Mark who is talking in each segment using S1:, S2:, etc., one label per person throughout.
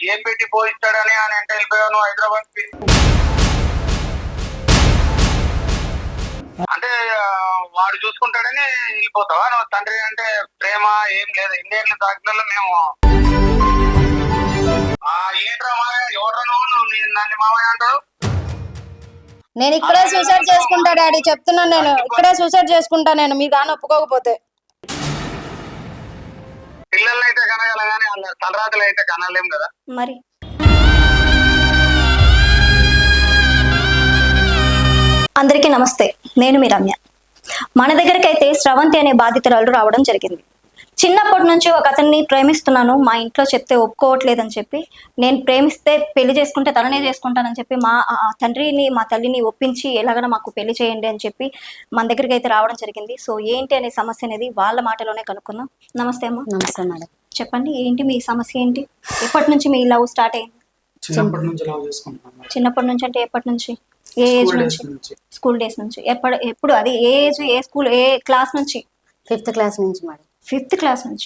S1: ఏం పెట్టి పోయిస్తాడని ఆయన ఎంత వెళ్ళిపోయావు నువ్వు హైదరాబాద్ కి? అంటే వాడు చూసుకుంటాడని వెళ్ళిపోతావా నువ్వు? తండ్రి అంటే ప్రేమ ఏం లేదు. ఇన్నేళ్ళు తాకినలో మేము ఏంట్రా మావయ్య, ఎవడ్రా నువ్వు నన్ను మావయ్య అంటావు?
S2: నేను ఇక్కడే సూసైడ్ చేసుకుంటా డాడీ, చెప్తున్నాను. నేను ఇక్కడే సూసైడ్ చేసుకుంటా నేను, మీ దాన్ని ఒప్పుకోకపోతే.
S1: పిల్లల్ని అయితే కనగల కానీ వాళ్ళ తలరాతలు అయితే కనలేం కదా
S2: మరి. అందరికీ నమస్తే, నేను మీ రమ్య. మన దగ్గరికి అయితే స్రవంతి అనే బాధితురాలు రావడం జరిగింది. చిన్నప్పటి నుంచి ఒక అతన్ని ప్రేమిస్తున్నాను, మా ఇంట్లో చెప్తే ఒప్పుకోవట్లేదని చెప్పి, నేను ప్రేమిస్తే పెళ్లి చేసుకుంటే తననే చేసుకుంటానని చెప్పి మా తండ్రిని మా తల్లిని ఒప్పించి ఎలాగైనా మాకు పెళ్లి చేయండి అని చెప్పి మన దగ్గరికి అయితే రావడం జరిగింది. సో ఏంటి అనే సమస్య అనేది వాళ్ళ మాటలోనే కనుక్కుందాం. నమస్తే అమ్మా.
S3: నమస్తే మేడం.
S2: చెప్పండి, ఏంటి మీ సమస్య ఏంటి? ఎప్పటి నుంచి మీ లవ్ స్టార్ట్ అయింది?
S4: చిన్నప్పటి నుంచి లవ్ చేసుకుంటున్నాను.
S2: చిన్నప్పటి నుంచి అంటే ఎప్పటి నుంచి? ఏ ఏజ్ నుంచి? స్కూల్ డేస్ నుంచి. ఎప్పుడు అది ఏ ఏజ్, ఏ స్కూల్, ఏ క్లాస్ నుంచి?
S3: 5th క్లాస్ నుంచి మేడం.
S2: 5th క్లాస్ నుంచి.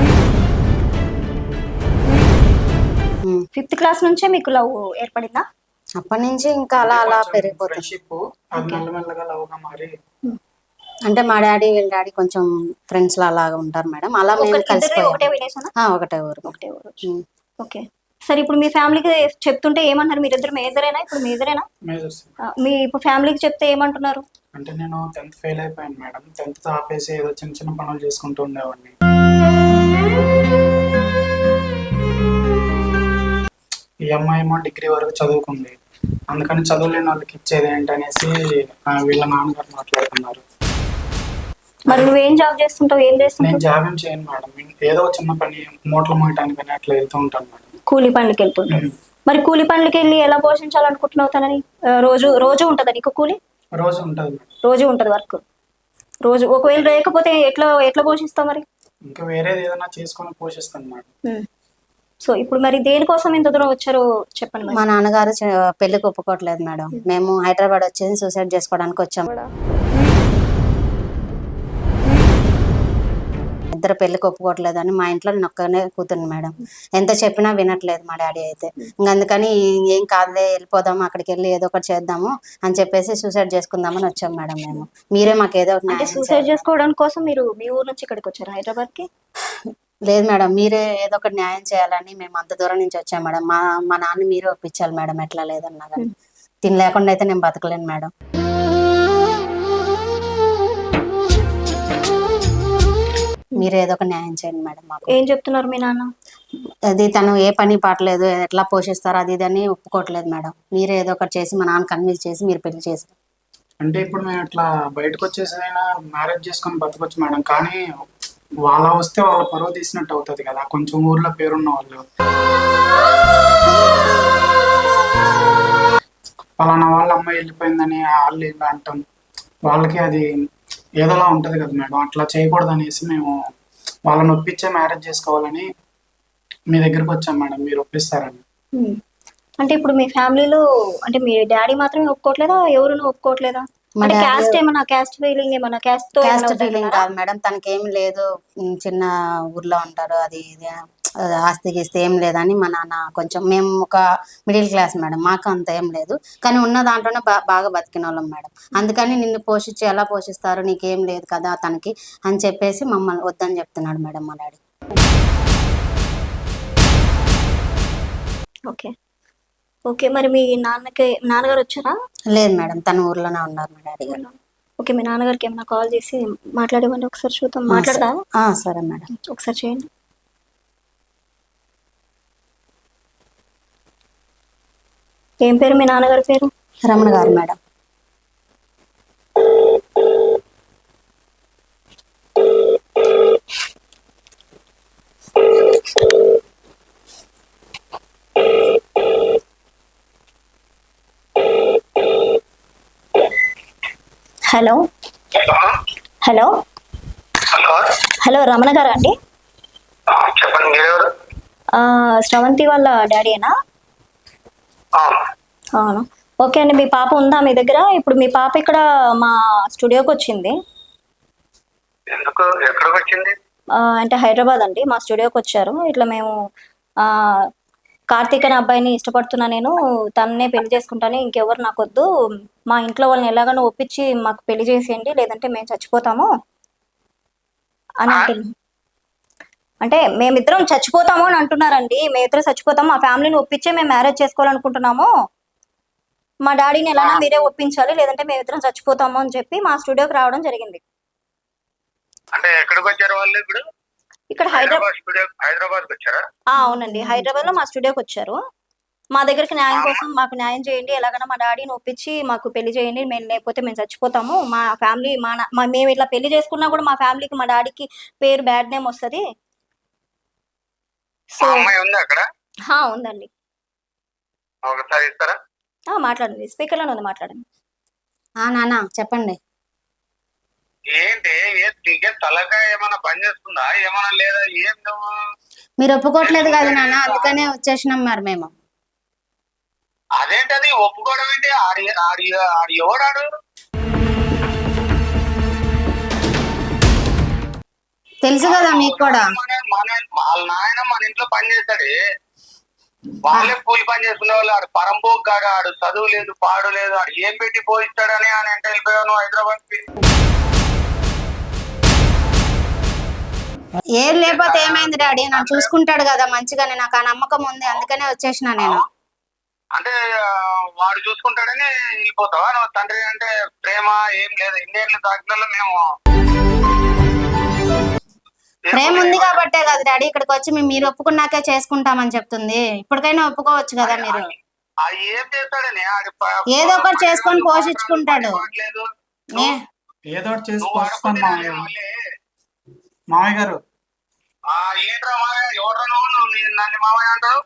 S2: 5th క్లాస్ నుంచే మీకు లవ్ ఏర్పడిందా?
S3: అప్పటి నుంచి ఇంకా అలా అలా పెరిగిపోతుంది.
S4: ఫ్రెండ్షిప్ అది మెల్లమెల్లగా లవ్ గా మారి,
S3: అంటే మా డాడీ వీళ్ళ డాడీ కొంచెం ఫ్రెండ్స్ లా అలాగా ఉంటారు మేడం. అలా మేము కలిసిపోయాం.
S2: ఒకటే విలేజ్?
S3: ఒకటే ఊరు.
S2: ఓకే. సరే, ఇప్పుడు మీ ఫ్యామిలీకి చెప్తుంటే ఏమంటారు? మీరిద్దరు మేజరేనా? ఇప్పుడు మేజరేనా? మీ ఇప్పుడు ఫ్యామిలీకి చెప్తే ఏమంటున్నారు?
S4: అంటే నేను 10th ఫెయిల్ అయిపోయాను మేడం. 10th ఆపేసి ఏదో చిన్న చిన్న పనులు చేసుకుంటూ ఉండేవాడిని. ఈ అమ్మాయి ఏమో డిగ్రీ వరకు చదువుకుంది, అందుకని చదువులేని వాళ్ళకి ఇచ్చేది ఏంటనేసి వీళ్ళ నాన్నగారు మాట్లాడుతున్నారు.
S2: మరి నువ్వేం జాబ్ చేస్తుంటావు? ఏం చేస్తుంటావు?
S4: నేను జాబ్ ఏం చేయను మేడం. ఏదో చిన్న పని, మూటలు మోయటానికి అట్లా వెళ్తూ ఉంటాను మేడం.
S2: కూలి పనులకి వెళ్తుంటావు. మరి కూలి పనులకి వెళ్ళి ఎలా పోషించాలనుకుంటున్నావు తనని? రోజు ఉంటుందా నీకు కూలి?
S4: రోజు ఉంటుంది మేడం.
S2: రోజు ఉంటుంది వర్క్. రోజు ఒకవేళ లేకపోతే ఎట్లా పోషిస్తావు మరి?
S4: ఇంకా వేరేది ఏదైనా చేసుకొని పోషిస్తాను మేడం.
S2: సో ఇప్పుడు మరి దేనికోసం ఇంత దూరం వచ్చారో చెప్పండి.
S3: మా నాన్నగారు పెళ్లికి ఒప్పుకోవట్లేదు మేడం. మేము హైదరాబాద్ వచ్చేసి సూసైడ్ చేసుకోవడానికి వచ్చాము. ఇద్దరు పెళ్లికి ఒప్పుకోవట్లేదని మా ఇంట్లో నేను ఒక్కనే కూతురు మేడం. ఎంత చెప్పినా వినట్లేదు మా డాడీ అయితే. ఇంకా అందుకని ఏం కాదులే, వెళ్ళిపోదాము, అక్కడికి వెళ్ళి ఏదో ఒకటి చేద్దాము అని చెప్పేసి సూసైడ్ చేసుకుందామని వచ్చాం మేడం. మేము మీరే మాకు ఏదో ఒకటి
S2: సూసైడ్ చేసుకోవడం కోసం మీరు మీ ఊరు నుంచి ఇక్కడికి వచ్చారు హైదరాబాద్ కి?
S3: లేదు మేడం, మీరే ఏదో ఒకటి న్యాయం చేయాలని మేము అంత దూరం నుంచి వచ్చాం మేడం. మా నాన్న మీరే ఒప్పించాలి మేడం, ఎట్లా లేదన్నా కానీ. తిని లేకుండా అయితే నేను బతకలేను మేడం. మీరు ఏదో ఒక న్యాయం చేయండి మేడం మాకు.
S2: ఏం చెప్తున్నారు మీ నాన్న?
S3: అది తను ఏ పని పాటలేదు, ఎట్లా పోషిస్తారు అది ఇది అని ఒప్పుకోవట్లేదు మేడం. మీరే ఏదో ఒకటి చేసి మా నాన్న కన్విన్స్ చేసి మీరు పెళ్లి చేశారు.
S4: అంటే ఇప్పుడు మేము ఇట్లా బయటకు వచ్చేసైనా మ్యారేజ్ చేసుకొని బతకొచ్చు మేడం. కానీ వాళ్ళ వస్తే వాళ్ళ పరువు తీసినట్టు అవుతుంది కదా, కొంచెం ఊర్లో పేరున్న వాళ్ళు. పలానా వాళ్ళ అమ్మాయి వెళ్ళిపోయిందని వాళ్ళు ఇలా అంటాం, వాళ్ళకి అది ఏదోలా ఉంటది కదా మేడం. అట్లా చేయకూడదు అనేసి మేము వాళ్ళని ఒప్పించే మ్యారేజ్ చేసుకోవాలని మీ దగ్గరకు వచ్చాం మేడం. మీరు ఒప్పిస్తారని.
S2: అంటే ఇప్పుడు మీ ఫ్యామిలీలో అంటే మీ డాడీ మాత్రమే ఒప్పుకోవట్లేదా? ఎవరు ఒప్పుకోవట్లేదా? క్యాస్ట్ ఏమన్నా, క్యాస్ట్ ఫీలింగ్ ఏమన్నా? క్యాస్ట్
S3: ఫీలింగ్ కాదు మేడం, తనకేమి లేదు, చిన్న ఊర్లో ఉంటారు, అది ఆస్తి గీస్తే ఏం లేదని మా నాన్న. కొంచెం మేము ఒక మిడిల్ క్లాస్ మేడం, మాకు అంత ఏం లేదు, కానీ ఉన్న దాంట్లోనే బాగా బతికిన వాళ్ళం మేడం. అందుకని నిన్ను పోషించి ఎలా పోషిస్తారు, నీకేం లేదు కదా తనకి అని చెప్పేసి మమ్మల్ని వద్దని చెప్తున్నాడు మేడం మా డాడీ.
S2: Okay okay. మరి మీ నాన్నగారు వచ్చారా?
S3: లేదు మేడం, తన ఊర్లోనే ఉన్నారు మా డాడీ గారు.
S2: ఓకే, మీ నాన్నగారికి ఏమైనా కాల్ చేసి మాట్లాడేవండి ఒకసారి చూద్దాం. మాట్లాడదా?
S3: సరే మేడం,
S2: ఒకసారి చేయండి. ఏం పేరు మీ నాన్నగారి పేరు?
S3: రమణ గారు madam.
S2: Hello hello hello, Ramana గారా అండి?
S1: చెప్పండి.
S2: శ్రవంతి వాళ్ళ డాడీనా? అవును. ఓకే అండి, మీ పాప ఉందా మీ దగ్గర? ఇప్పుడు మీ పాప ఇక్కడ మా స్టూడియోకి వచ్చింది.
S1: ఎక్కడికి వచ్చింది?
S2: అంటే హైదరాబాద్ అండి, మా స్టూడియోకి వచ్చారు. ఇట్లా మేము కార్తీక్ అనే అబ్బాయిని ఇష్టపడుతున్నా, నేను తన్నే పెళ్లి చేసుకుంటాను, ఇంకెవరు నాకొద్దు, మా ఇంట్లో వాళ్ళని ఎలాగైనా ఒప్పించి మాకు పెళ్లి చేసేయండి, లేదంటే మేము చచ్చిపోతాము అని అంటున్నాను. అంటే మేమిద్దరం చచ్చిపోతాము అని అంటున్నారండి. మేమిద్దరం చచ్చిపోతాము, మా ఫ్యామిలీని ఒప్పించే మేము మ్యారేజ్ చేసుకోవాలనుకుంటున్నాము, మా డాడీని ఎలానా మీరే ఒప్పించాలి, లేదంటే మేమిద్దరం చచ్చిపోతాము అని చెప్పి మా స్టూడియోకి రావడం జరిగింది.
S1: అంటే ఎక్కడికి వచ్చారు వాళ్ళు ఇప్పుడు?
S2: ఇక్కడ
S1: హైదరాబాద్ వచ్చారా?
S2: అవునండి, హైదరాబాద్ లో మా స్టూడియోకి వచ్చారు. మా దగ్గరికి న్యాయం కోసం మాకు న్యాయం చేయండి, ఎలాగైనా మా డాడీని ఒప్పించి మాకు పెళ్లి చేయండి, మేము లేకపోతే మేము చచ్చిపోతాము, మా ఫ్యామిలీ మేము ఇట్లా పెళ్లి చేసుకున్నా కూడా మా ఫ్యామిలీకి మా డాడీకి పేరు బ్యాడ్ నేమ్ వస్తుంది. సో
S1: అమ్మాయి ఉంది అక్కడ?
S2: ఉందండి.
S1: ఒకసారి ఇస్తారా?
S2: మాట్లాడండి, స్పీకర్ లోనే ఉంది, మాట్లాడండి.
S3: నాన్న చెప్పండి.
S1: ఏంటి నీకే తలకాయ ఏమైనా పని చేస్తుందా ఏమైనా లేదా? ఏం నువ్వు
S3: మీరు ఒప్పుకోవట్లేదు కదా నాన్న, అందుకనే వచ్చేసినాం మరి మేము.
S1: అదేంటది ఒప్పుకోవడం ఏంటి? ఆడి ఎవడాడు?
S3: తెలుసు కదా మీకు కూడా.
S1: వాళ్ళ నాయన మన ఇంట్లో పని చేస్తాడు, వాళ్ళే కూలి పని చేసుకునే వాళ్ళు. ఆడు పరంపోకు కాడు, ఆడు చదువు లేదు పాడు లేదు, ఆడు ఏం పెట్టి పోయిస్తాడని అని అంటే వెళ్ళిపోయాను హైదరాబాద్ కి.
S3: ఏం లేకపోతే ఏమైంది డాడీ, నన్ను చూసుకుంటాడు కదా మంచిగానే, నాకు ఆ నమ్మకం ఉంది, అందుకనే వచ్చేసిన నేను.
S1: అంటే వాడు చూసుకుంటాడని వెళ్ళిపోతావా నువ్వు? తండ్రి అంటే ప్రేమ ఏం లేదు, ఇండియన్లు దాఖలలో మేము
S3: ప్రేమ ఉంది కాబట్టే కదా డాడీ ఇక్కడికి వచ్చి మీరు ఒప్పుకున్నాకే చేసుకుంటామని చెప్తుంది. ఇప్పటికైనా ఒప్పుకోవచ్చు కదా మీరు.
S1: ఏం చేస్తాడని
S3: ఏదో ఒకటి చేసుకొని పోషించుకుంటాడు.
S4: ఏదో ఒకటి చేసి పోషిస్తాను మామయ్య గారు.
S1: ఏంట్రా ఎవరు నన్ను మామయ్య అంటారు?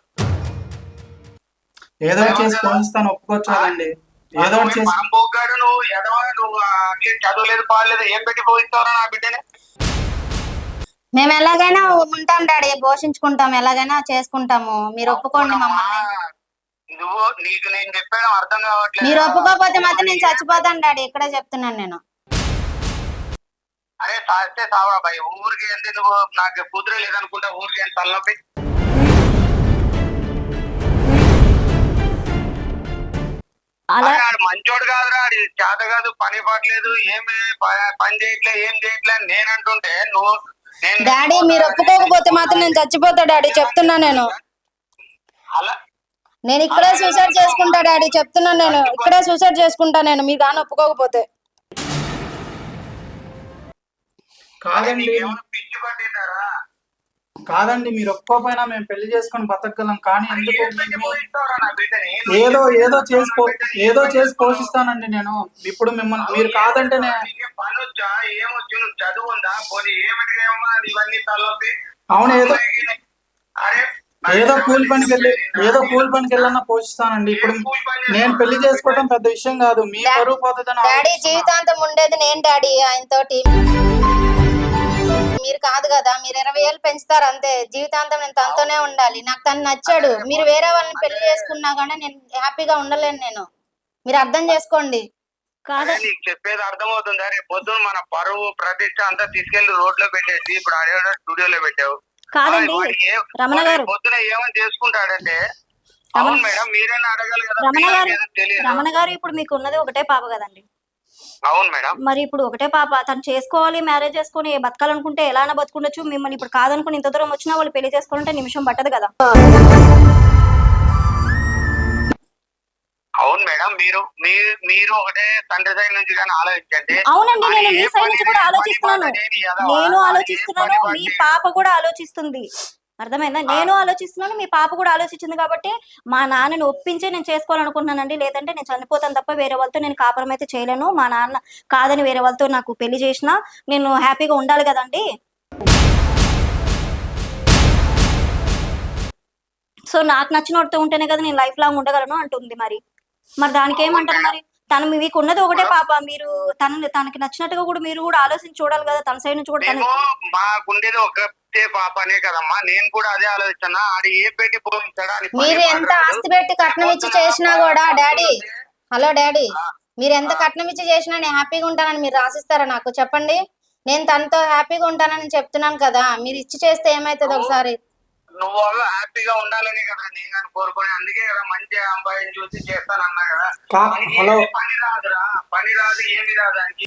S4: ఏదో ఒకటి చేసి పోషిస్తాను, ఒప్పుకోవచ్చు కదండి. ఏదో ఒకటి చేసి
S1: పోగాడు నువ్వు ఎదవా, నువ్వు చదువు లేదు పాలేదు, ఏం పెట్టి పోయిస్తావరా నా బిడ్డని?
S3: మేము ఎలాగైనా ఉంటాం డాడీ, పోషించుకుంటాం, ఎలాగైనా చేసుకుంటాము, మీరు ఒప్పుకోండి మమ్మల్ని.
S1: నువ్వు నీకు నేను చెప్పాను అర్థం కావట్లేదు.
S3: మీరు ఒప్పుకోకపోతే మాత్రం నేను చచ్చిపోతాను డాడీ, ఇక్కడే చెప్తున్నాను నేను.
S1: అరే సాస్తే సావా బాయ్, ఊరికి ఏంటి నువ్వు? నాకు కుదురే లేదనుకుంటా ఊరికి ఏంటి తలనొప్పి? మంచోడు కాదురా, ఆడి చేత కాదు, పని పడలేదు, ఏమి పని చేయట్లే, ఏం చేయట్లే అని నేను అంటుంటే నువ్వు
S3: డాడీ మీరు ఒప్పుకోకపోతే మాత్రం నేను చచ్చిపోతా డాడీ, చెప్తున్నా నేను.
S1: అలా
S3: నేను ఇక్కడే సూసైడ్ చేసుకుంటా డాడీ, చెప్తున్నా నేను, ఇక్కడే సూసైడ్ చేసుకుంటా నేను, మీరు కానీ ఒప్పుకోకపోతే.
S4: కాదండి
S1: పిచ్చి పట్టిందారా?
S4: కాదండి, మీరు ఒప్పుకోపోయినా మేము పెళ్లి చేసుకొని బతకగలం, కానీ ఎందుకు ఏదో చేసి పోషిస్తానండి నేను. ఇప్పుడు మిమ్మల్ని మీరు కాదంటే
S1: పని వచ్చా ఏమొచ్చు? నువ్వు చదువు ఉందా? పోనీ ఏమిటి ఇవన్నీ తలొప్పి?
S4: అవును, ఏదో కూలి పనికి వెళ్ళన్నా పోషిస్తానండి. ఇప్పుడు నేను పెళ్లి చేసుకోవడం పెద్ద విషయం కాదు, మీ బరువు పోతుందని.
S3: డాడీ జీవితాంతం ఉండేది నేను డాడీ ఆయనతోటి, మీరు కాదు కదా. మీరు 20 ఏళ్ళు పెంచుతారు అంతే, జీవితాంతం నేను తనతోనే ఉండాలి. నాకు తను నచ్చాడు, మీరు వేరే వాళ్ళని పెళ్లి చేసుకున్నా కానీ నేను హ్యాపీగా ఉండలేను నేను, మీరు అర్థం చేసుకోండి.
S2: కాదు
S1: నీకు చెప్పేది అర్థమవుతుందా? రేపు పొద్దున మన పరువు ప్రతిష్ట అంతా తీసుకెళ్లి రోడ్ లో పెట్టేసి ఇప్పుడు ఆడే స్టూడియోలో పెట్టావు.
S2: కాదండి రమణ గారు,
S1: పొద్దున ఏమని చేసుకుంటాడంటే అవును మేడం మీరైనా అడగాలి కదా.
S2: రమణ గారు ఇప్పుడు మీకు ఉన్నది ఒకటే పాప కదండి?
S1: అవును మేడం.
S2: మరి ఇప్పుడు ఒకటే పాప, తను చేసుకోవాలి, మ్యారేజ్ చేసుకుని బతకాలనుకుంటే ఎలా బతుకుండొచ్చు. మిమ్మల్ని ఇప్పుడు కాదనుకుని ఇంత దూరం వచ్చినా వాళ్ళు పెళ్లి చేసుకోవాలంటే నిమిషం పట్టదు కదా.
S1: అవును మేడం, మీరు ఒకటే తండ్రి సైడ్ నుంచి కానీ ఆలోచించండి.
S2: అవునండి, నేను మీ సైడ్ నుంచి కూడా ఆలోచిస్తున్నాను, నేను ఆలోచిస్తున్నాను, మీ పాప కూడా ఆలోచిస్తుంది, అర్థమైందా? నేను ఆలోచిస్తున్నాను, మీ పాప కూడా ఆలోచించింది. కాబట్టి మా నాన్నని ఒప్పించే నేను చేసుకోవాలనుకుంటున్నానండి, లేదంటే నేను చనిపోతాను తప్ప వేరే వాళ్ళతో నేను కాపురం అయితే చేయలేను. మా నాన్న కాదని వేరే వాళ్ళతో నాకు పెళ్లి చేసినా నేను హ్యాపీగా ఉండాలి కదండి. సో నాకు నచ్చిన వాడితో ఉంటేనే కదా నేను లైఫ్ లాంగ్ ఉండగలను అంటుంది. మరి దానికి ఏమంటారు? మరి తను మీకు ఉన్నది ఒకటే పాప, మీరు తనకి నచ్చినట్టుగా కూడా మీరు కూడా ఆలోచించి చూడాలి కదా, తన సైడ్ నుంచి కూడా.
S1: మాకుండేది ఒకటే పాప అనే కదమ్మా, నేను కూడా అదే ఆలోచిస్తున్నా. ఆడు ఏ పెట్టి పోయించాడా?
S3: మీరు ఎంత ఆస్తి పెట్టి కట్నం ఇచ్చి చేసినా కూడా డాడీ, హలో డాడీ, మీరు ఎంత కట్నం ఇచ్చి చేసినా నేను హ్యాపీగా ఉంటానని మీరు రాసిస్తారా నాకు? చెప్పండి. నేను తనతో హ్యాపీగా ఉంటానని చెప్తున్నాను కదా, మీరు ఇచ్చి చేస్తే ఏమైతుంది ఒకసారి?
S1: నువ్వు హ్యాపీగా ఉండాలని కదా నేను కానీ కోరుకునే, అందుకే కదా మంచి అబ్బాయిని చూసి చేస్తానన్నా కదా. మనకి
S4: హలో
S1: ఏమీ పని రాదురా, పని రాదు ఏమి రాదు దానికి.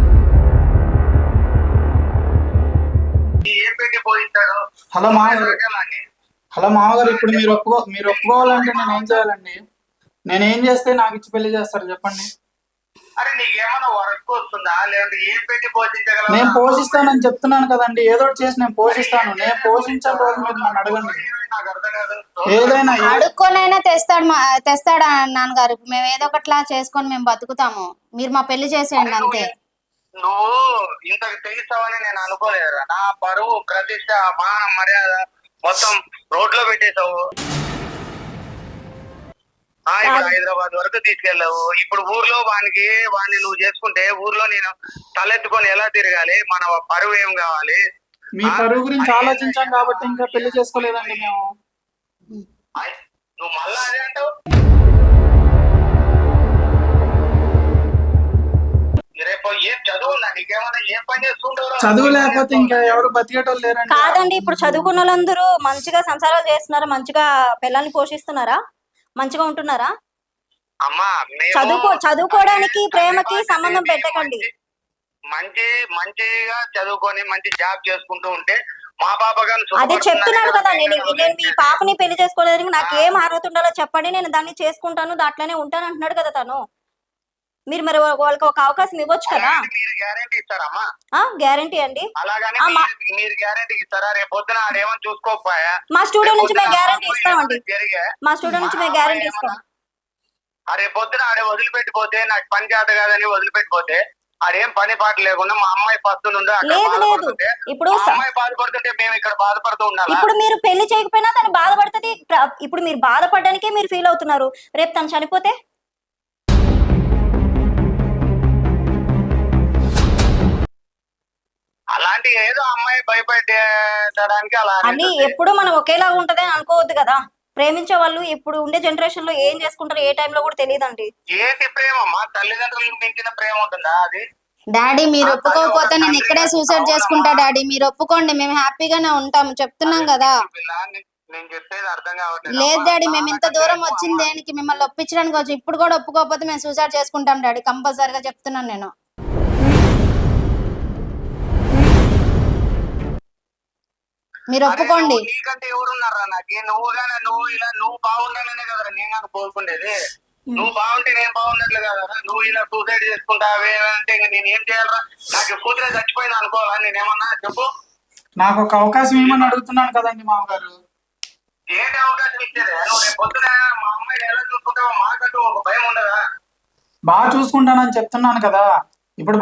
S1: ఏం పెట్టి పోయిస్తాడు.
S4: హలో మామగారు ఇప్పుడు మీరు ఒప్పుకోవాలంటే నేను ఏం చేయాలండి? నేనేం చేస్తే నాకు ఇచ్చి పెళ్లి చేస్తారు చెప్పండి?
S1: అరే నీకేమన్నా వర్క్ వస్తుందా, లేదంటే ఏం పెట్టి పోషించగలవా?
S4: నేను పోషిస్తానని చెప్తున్నాను కదండి, ఏదో ఒకటి చేసి నేను పోషిస్తాను. నేను పోషించే రోజు మీరు నన్ను అడగండి.
S1: నాకు అర్థం కాదు.
S4: ఏదైనా
S3: అడుక్కొనైనా తెస్తాడా నాన్నగారు? మేము ఏదో ఒకట్లా చేసుకొని మేము బతుకుతాము, మీరు మా పెళ్లి చేసేయండి అంతే.
S1: నువ్వు ఇంతకు తెగిస్తావని నేను అనుకోలేదురా. నా పరువు, ప్రతిష్ట, మాన మర్యాద మొత్తం రోడ్లో పెట్టేశావు. ఇప్పుడు హైదరాబాద్ వరకు తీసుకెళ్ళావు. ఇప్పుడు ఊర్లో వాడిని నువ్వు చేసుకుంటే ఊర్లో నేను తలెత్తుకొని ఎలా తిరగాలి? మన పరువు ఏం కావాలి?
S4: మీ పరువు గురించి ఆలోచించాం కాబట్టి ఇంకా పెళ్లి చేసుకోలేదండి మేము.
S1: నువ్వు మళ్ళా అదే అంటావు. రేపు ఏం చదువు ఉందా నీకేమన్నా? ఏం పని చేసుకుంటావు?
S4: చదువు లేకపోతే ఇంకా ఎవరు బతికేటోళ్ళు లేరండి.
S2: కాదండి, ఇప్పుడు చదువుకున్న వాళ్ళందరూ మంచిగా సంసారాలు చేస్తున్నారా? మంచిగా పిల్లల్ని పోషిస్తున్నారా? మంచిగా ఉంటున్నారా?
S1: అమ్మా
S2: చదువుకోవడానికి ప్రేమకి సంబంధం పెట్టకండి.
S1: మంచిగా చదువుకొని మంచి జాబ్ చేసుకుంటూ ఉంటే మా పాప
S2: అదే చెప్తున్నాను కదా, నేను మీ పాపని పెళ్లి చేసుకోలేదు, నాకు ఏం అర్హత ఉండాలో చెప్పండి, నేను దాన్ని చేసుకుంటాను, దాంట్లోనే ఉంటాను అంటున్నాడు కదా తను. మీరు మరి వాళ్ళకి ఒక అవకాశం ఇవ్వచ్చు కదా.
S1: మీరు గ్యారెంటీ ఇస్తారమ్మా?
S2: గ్యారెంటీ అండి.
S1: అలాగని మీరు గ్యారెంటీ ఇస్తారా? రేపు పొద్దున ఆడేమో చూసుకోకపోయా?
S2: మా స్టూడెంట్ నుంచి మేము గ్యారెంటీ ఇస్తామండి. మా స్టూడెంట్ నుంచి మేము గ్యారెంటీ ఇస్తాం.
S1: రేపు పొద్దున ఆడే వదిలిపెట్టిపోతే, నాకు పని చేత కాదని వదిలిపెట్టిపోతే, ఆడేం పని పాట లేకుండా మా అమ్మాయి పస్తుండే
S2: ఇప్పుడు
S1: అమ్మాయి బాధపడుతుంటే మేము ఇక్కడ బాధపడుతూ ఉండాలి.
S2: ఇప్పుడు మీరు పెళ్లి చేయకపోయినా తను బాధపడుతుంది. ఇప్పుడు మీరు బాధపడడానికే మీరు ఫీల్ అవుతున్నారు. రేపు తను చనిపోతే
S1: అలాంటి ఏదో అమ్మాయి భయపెట్టడానికి అలా
S2: అని ఎప్పుడు మనం ఒకేలా ఉంటది అని అనుకోవద్దు కదా. ప్రేమించే వాళ్ళు ఇప్పుడు ఉండే జనరేషన్ లో ఏం చేసుకుంటారో ఏ టైంలో కూడా తెలియదండి.
S1: ఏంటి ప్రేమ? మా తల్లిదండ్రులకు మించిన ప్రేమ ఉంటుందా? అది
S3: డాడీ మీరు ఒప్పుకోకపోతే నేను ఇక్కడే సూసైడ్ చేసుకుంటా. డాడీ మీరు ఒప్పుకోండి, మేము హ్యాపీగానే ఉంటాము, చెప్తున్నాం కదా.
S1: నేను చెప్పేది అర్థం కావట్లేదు.
S3: లేదు డాడీ, మేము ఇంత దూరం వచ్చింది దేనికి? మిమ్మల్ని ఒప్పించడానికి వచ్చి ఇప్పుడు కూడా ఒప్పుకోకపోతే మేము సూసైడ్ చేసుకుంటాం డాడీ, కంపల్సరీగా చెప్తున్నాను నేను. మీరు ఒప్పుకోండి.
S1: నీకంటే ఎవరున్నారా నాకు? నువ్వు బాగుండాలనే కదరా నేను నాకు కోరుకుండేది. నువ్వు బాగుంటే నేను బాగున్నట్లు కదరా. నువ్వు ఇలా సూసైడ్ చేసుకుంటావే అంటే నేను ఏం చేయాలరా? నాకు కూతురే చచ్చిపోయింది అనుకోవాలా? నేనేమన్నా చెప్పు.
S4: నాకు ఒక అవకాశం ఏమని అడుగుతున్నాను కదండి మామగారు.
S1: ఏంటి అవకాశం ఇచ్చేది? నువ్వు రేపు పొద్దున మా అమ్మాయిని ఎలా చూసుకుంటావో మాకంటూ ఒక భయం ఉండదా?
S4: బాగా చూసుకుంటానని చెప్తున్నాను కదా. ఇప్పుడు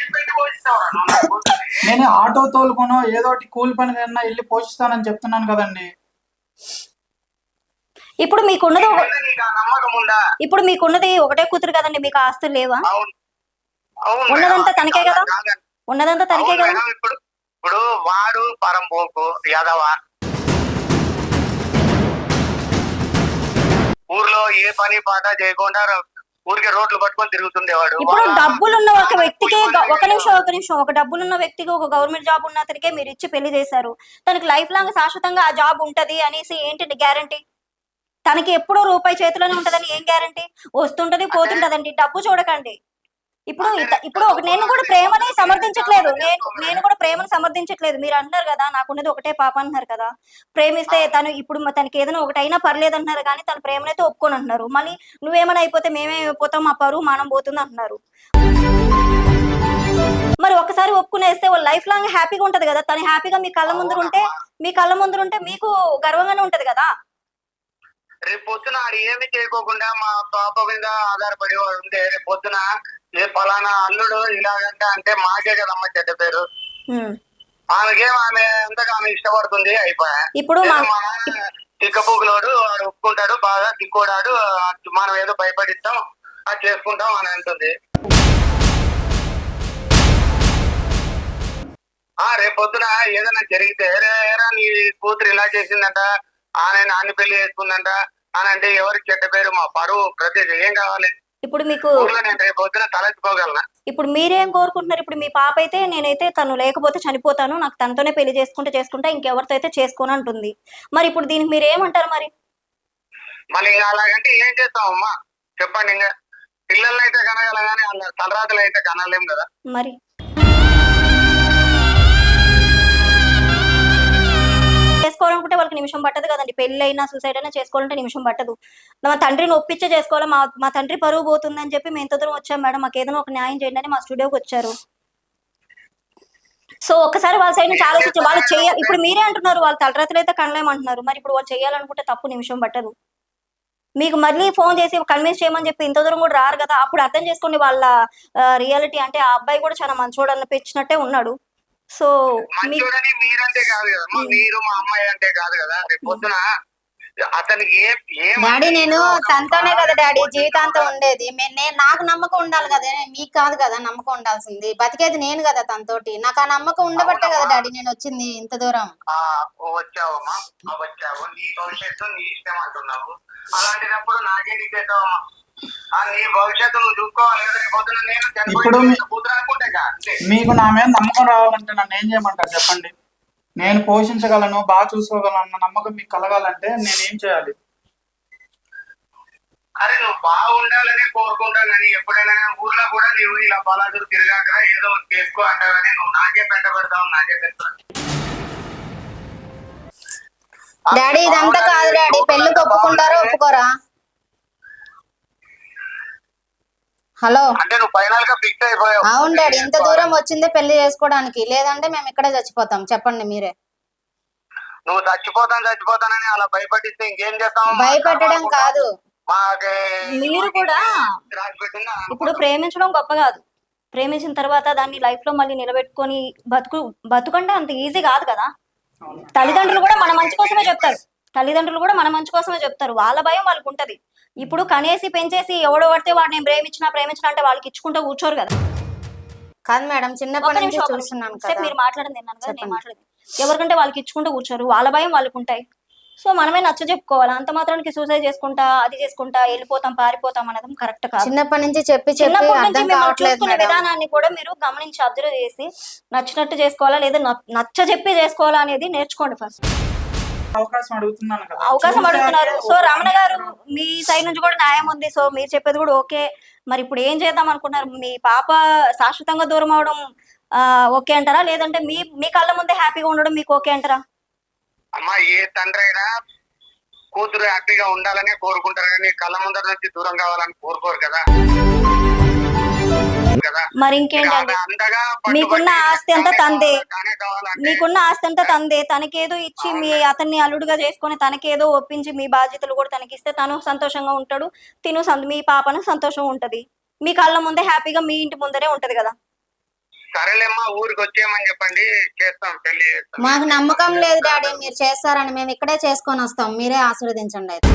S4: నేను ఆటో తోలుకునో ఏదో ఒకటి కూలి పని కన్నా వెళ్ళి పోషిస్తానని చెప్తున్నాను కదండి.
S2: ఇప్పుడు మీకున్నది
S1: నమ్మకం ఉందా?
S2: ఇప్పుడు మీకున్నది ఒకటే కూతురు కదండి, మీకు ఆస్తులు లేవా? ఉన్నదంతా తనకే కదా. ఉన్నదంతా తనకే కదా.
S1: ఇప్పుడు వాడు పరంపోకు యాదవ, ఊర్లో ఏ పని పాట చేయకుండా ఊరికే రోడ్లు పట్టుకొని తిరుగుతుండేవాడు.
S2: ఇప్పుడు డబ్బులున్న ఒక వ్యక్తికి ఒక నిమిషం ఒక డబ్బులున్న వ్యక్తికి ఒక గవర్నమెంట్ జాబ్ ఉన్న అతనికే మీరు ఇచ్చి పెళ్లి చేశారు. తనకి లైఫ్ లాంగ్ శాశ్వతంగా ఆ జాబ్ ఉంటది అనేసి ఏంటి గ్యారంటీ? తనకి ఎప్పుడో రూపాయి చేతిలోనే ఉంటదని ఏం గ్యారంటీ? వస్తుంటది పోతుంటదండి. డబ్బు చూడకండి. ఇప్పుడు నేను కూడా ప్రేమని సమర్థించట్లేదు. నేను కూడా ప్రేమను సమర్థించట్లేదు. మీరు అంటున్నారు కదా నాకున్నది ఒకటే పాప అంటున్నారు కదా. ప్రేమిస్తే తను ఇప్పుడు తనకి ఏదైనా ఒకటైనా పర్లేదు అంటున్నారు కానీ తన ప్రేమనైతే ఒప్పుకొని అంటున్నారు. మళ్ళీ నువ్వేమైనా అయిపోతే మేమేమైపోతాం, మా పరువు మానం పోతుంది అంటున్నారు. మరి ఒకసారి ఒప్పుకునేస్తే వాళ్ళు లైఫ్ లాంగ్ హ్యాపీగా ఉంటది కదా. తను హ్యాపీగా మీ కళ్ళ ముందు ఉంటే మీకు గర్వంగానే ఉంటది కదా.
S1: రేపు పొద్దున ఆడు ఏమి చేయకోకుండా మా పాప మీద ఆధారపడేవాడు ఉంటే రేపు పొద్దున ఏ పలానా అల్లుడు ఇలాగంట అంటే మాకే కదమ్మా చెడ్డ పేరు. ఆమె ఎంతగా ఇష్టపడుతుంది అయిపోయా.
S2: ఇప్పుడు
S1: తిక్కపూకులోడు ఒప్పుకుంటాడు, బాగా తిక్కోడాడు, మనం ఏదో భయపడిస్తాం అది చేసుకుంటాం అని అంటుంది. రేపు పొద్దున ఏదైనా జరిగితే నీ కూతురు ఇలా చేసిందంట, నాన్ని పెళ్లి చేసుకుందంట అని అంటే ఎవరికి చెడ్డ పేరు, మా పరువు ప్రతి ఏం కావాలి?
S2: ఇప్పుడు మీకు
S1: నేను రేపు పొద్దున తలెత్తుకోగలనా?
S2: ఇప్పుడు మీరేం కోరుకుంటున్నారు? ఇప్పుడు మీ పాప అయితే నేనైతే తను లేకపోతే చనిపోతాను, నాకు తనతోనే పెళ్లి చేసుకుంటా, ఇంకెవరితో అయితే చేసుకోను అంటుంది. మరి ఇప్పుడు దీనికి మీరు ఏమంటారు మరి?
S1: మళ్ళీ ఇంకా అలాగంటే ఏం చేస్తామమ్మా చెప్పండి. ఇంకా పిల్లల్ని అయితే కనగలం కానీ వాళ్ళ తలరాతలు అయితే కనలేం కదా.
S2: మరి చేసుకోవాలనుకుంటే వాళ్ళకి నిమిషం పట్టదు కదండి. పెళ్లి అయినా సూసైడ్ అయినా చేసుకోవాలంటే నిమిషం పట్టదు. మా తండ్రిని ఒప్పించే చేసుకోవాలి. మా తండ్రి పరువు పోతుందని చెప్పి మేము ఎంత దూరం వచ్చాం మేడం, మాకు ఏదైనా ఒక న్యాయం చేయండి అని మా స్టూడియోకి వచ్చారు. సో ఒక్కసారి వాళ్ళ సైడ్ నుంచి ఆలోచించి వాళ్ళు చేయాలి. ఇప్పుడు మీరే అంటున్నారు వాళ్ళు తలరాతలు అయితే కనలేమంటున్నారు. మరి ఇప్పుడు వాళ్ళు చేయాలనుకుంటే తప్పు నిమిషం పట్టదు. మీకు మళ్ళీ ఫోన్ చేసి కన్విన్స్ చేయమని చెప్పి ఇంత దూరం కూడా రారు కదా. అప్పుడు అర్థం చేసుకోండి వాళ్ళ రియాలిటీ. అంటే ఆ అబ్బాయి కూడా చాలా మంచోడు అనిపించినట్టే ఉన్నాడు. సో
S1: మంచోడని మీరంటే కాదు కదమ్మా, మీరు మా అమ్మాయి అంటే కాదు కదా. రేపు పొద్దున అతనికి
S3: డాడీ నేను తనతోనే కదా డాడీ జీవితాంతం ఉండేది. నాకు నమ్మకం ఉండాలి కదా, మీకు కాదు కదా నమ్మకం ఉండాల్సింది. బతికేది నేను కదా తనతోటి. నాకు ఆ నమ్మకం ఉండబట్టే కదా డాడీ నేను వచ్చింది ఇంత దూరం.
S1: వచ్చావమ్మా, వచ్చావు, నీ భవిష్యత్తు నీ ఇష్టం అంటున్నావు. అలాంటినప్పుడు నాకేంటి చేద్దామమ్మా? నీ భవిష్యత్తు నువ్వు చూసుకోవాలి కదా. రేపు పొద్దున నేను
S4: ఇప్పుడు
S1: కూతురు అనుకుంటే
S4: మీకు నా మీద నమ్మకం రావాలంటే నన్ను ఏం చేయమంటారు చెప్పండి? నేను పోషించగలను, బాగా చూసుకోగలను అన్న నమ్మకం మీకు కలగాలంటే నేనేం చేయాలి?
S1: అరే నువ్వు బాగుండాలని కోరుకుంటాను కానీ ఎప్పుడైనా ఊర్లో కూడా నువ్వు ఇలా బలాదురు తిరగాక ఏదో చేసుకో అంటావని నువ్వు నాకే పెంట పెడతావు, నాకే పెడతావు.
S3: డాడీ ఇదంతా కాదు డాడీ, పెళ్లికి ఒప్పుకుంటారా ఒప్పుకోరా? హలో
S1: అంటే నువ్వు ఫైనల్ గా ఫిక్స్ అయిపోయావు.
S3: అవును డాడీ, ఇంత దూరం వచ్చిందే పెళ్లి చేసుకోవడానికి. లేదంటే మేము ఇక్కడే చచ్చిపోతాం. చెప్పండి మీరే.
S1: నువ్వు చచ్చిపోతానని అలా భయపడిస్తే ఇంకేం చేస్తావు?
S3: భయపెట్టడం కాదు,
S2: మీరు కూడా ఇప్పుడు ప్రేమించడం గొప్ప కాదు. ప్రేమించిన తర్వాత దాన్ని లైఫ్ లో మళ్ళీ నిలబెట్టుకొని బతుకంటే అంత ఈజీ కాదు కదా. తల్లిదండ్రులు కూడా మన మంచి కోసమే చెప్తారు. వాళ్ళ భయం వాళ్ళకు ఉంటది. ఇప్పుడు కనేసి పెంచేసి ఎవడో పడితే వాడిని ప్రేమించినా అంటే వాళ్ళకి ఇచ్చుకుంటూ కూర్చోరు కదా.
S3: కాదు మేడం, చిన్నప్పటి నుంచి చూస్తున్నాను కదా.
S2: మీరు మాట్లాడింది విన్నాను కదా, నేను మాట్లాడింది. ఎవరికంటే వాళ్ళకి ఇచ్చుకుంటూ కూర్చోరు, వాళ్ళ భయం వాళ్ళకు ఉంటాయి. సో మనమే నచ్చ చెప్పుకోవాలి. అంత మాత్రానికి సూసైడ్ చేసుకుంటా అది చేసుకుంటా వెళ్ళిపోతాం పారిపోతాం అనేది కరెక్ట్ కాదు.
S3: చిన్నప్పటి నుంచి
S2: చూసుకునే విధానాన్ని కూడా మీరు గమనించి అబ్జర్వ్ చేసి నచ్చినట్టు చేసుకోవాలా లేదా నచ్చ చెప్పి చేసుకోవాలా అనేది నేర్చుకోండి ఫస్ట్.
S4: అవకాశం
S2: అడుగుతున్నారు. సో రమణ గారు మీ సైడ్ నుంచి కూడా న్యాయం ఉంది. సో మీరు చెప్పేది కూడా ఓకే. మరి ఇప్పుడు ఏం చేద్దాం అనుకున్నారు? మీ పాప శాశ్వతంగా దూరం అవడం ఓకే అంటారా, లేదంటే మీ కళ్ళ ముందే హ్యాపీగా ఉండడం మీకు ఓకే అంటారా?
S1: అమ్మా ఏ తండ్రి అయినా కూతురు హ్యాపీగా ఉండాలనే కోరుకుంటారు కానీ కళ్ళ ముందర నుంచి దూరం కావాలని కోరుకోరు కదా.
S2: మరి ఇంకేంటండి, మీకున్న ఆస్తి అంతా తందే. తనకేదో ఇచ్చి మీ అతన్ని అల్లుడుగా చేసుకొని తనకేదో ఒప్పించి మీ బాధ్యతలు కూడా తనకిస్తే తను సంతోషంగా ఉంటాడు, మీ పాపను సంతోషంగా ఉంటది. మీ కళ్ళ ముందే హ్యాపీగా మీ ఇంటి ముందరే ఉంటది కదా.
S1: సరేలేమ్మా, ఊరికి వచ్చేయమని చెప్పండి, చేస్తాం పెళ్లి.
S3: మాకు నమ్మకం లేదు డాడీ మీరు చేస్తారని. మేము ఇక్కడే చేసుకొని వస్తాం, మీరే ఆశీర్వదించండి. అయితే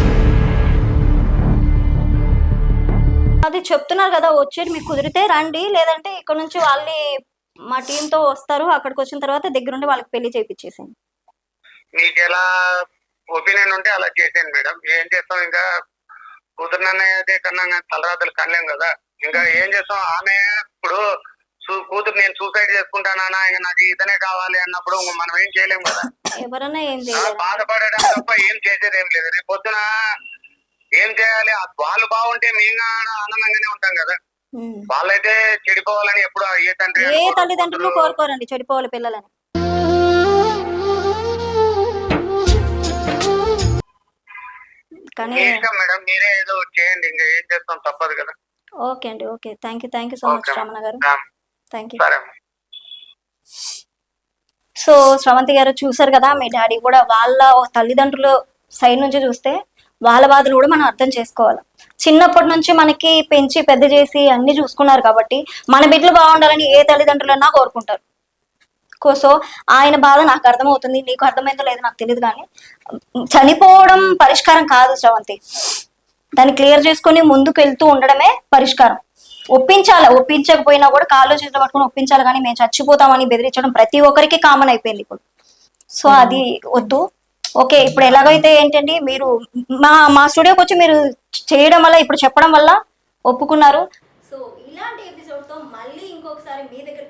S2: అది చెప్తున్నారు కదా, వచ్చేది మీకు కుదిరితే రండి, లేదంటే ఇక్కడ నుంచి వాళ్ళని మా టీంతో వస్తారు. అక్కడికి వచ్చిన తర్వాత దగ్గరుండి వాళ్ళకి పెళ్లి చేయించేసాను.
S1: మీకు ఎలా ఒపీనియన్ ఉంటే అలా చేసేయండి మేడం. ఏం చేస్తాం, ఇంకా కూతురుననే కన్నా తలరాతలు కనలేం కదా. ఇంకా ఏం చేస్తాం? ఆమె ఇప్పుడు కూతురు నేను సూసైడ్ చేసుకుంటానా, ఇంకా నాకు ఇతనే కావాలి అన్నప్పుడు మనం ఏం చేయలేము కదా.
S2: ఎవరన్నా ఏం చేయాలి,
S1: బాధపడడం తప్ప ఏం చేసేది ఏం లేదు. రేపు పొద్దున ఏం చేయాలి? వాళ్ళు బాగుంటే మేము ఆనందంగానే ఉంటాం కదా. వాళ్ళైతే చెడిపోవాలని ఎప్పుడు
S2: ఏ తల్లిదండ్రులు కోరుకోరండి చెడిపోవాలి పిల్లలని. కానీ
S1: మేడం మీరే ఏదో చేయండి, ఇంకా ఏం చేస్తాం, తప్పదు కదా.
S2: ఓకే అండి, okay. Thank you so much Ramana గారు. Thank you. సో శ్రవంతి గారు చూసారు కదా, మీ డాడీ కూడా వాళ్ళ తల్లిదండ్రుల సైడ్ నుంచి చూస్తే వాళ్ళ బాధలు కూడా మనం అర్థం చేసుకోవాలి. చిన్నప్పటి నుంచి మనకి పెంచి పెద్ద చేసి అన్ని చూసుకున్నారు కాబట్టి మన బిడ్డలు బాగుండాలని ఏ తల్లిదండ్రులన్నా కోరుకుంటారు. సో ఆయన బాధ నాకు అర్థమవుతుంది, నీకు అర్థమైందో లేదో నాకు తెలియదు. కానీ చనిపోవడం పరిష్కారం కాదు శ్రవంతి. దాన్ని క్లియర్ చేసుకొని ముందుకు వెళ్తూ ఉండడమే పరిష్కారం. ఒప్పించకపోయినా కూడా కాళ్ళు చేతులు పట్టుకుని ఒప్పించాలి. కానీ మేము చచ్చిపోతామని బెదిరించడం ప్రతి ఒక్కరికి కామన్ అయిపోయింది ఇప్పుడు. సో అది వద్దు. ఓకే, ఇప్పుడు ఎలాగైతే ఏంటండి, మీరు మా స్టూడియోకి వచ్చి మీరు చేయడం వల్ల, ఇప్పుడు చెప్పడం వల్ల ఒప్పుకున్నారు. సో ఇలాంటి ఎపిసోడ్తో మళ్ళీ ఒకసారి మీ దగ్గరకు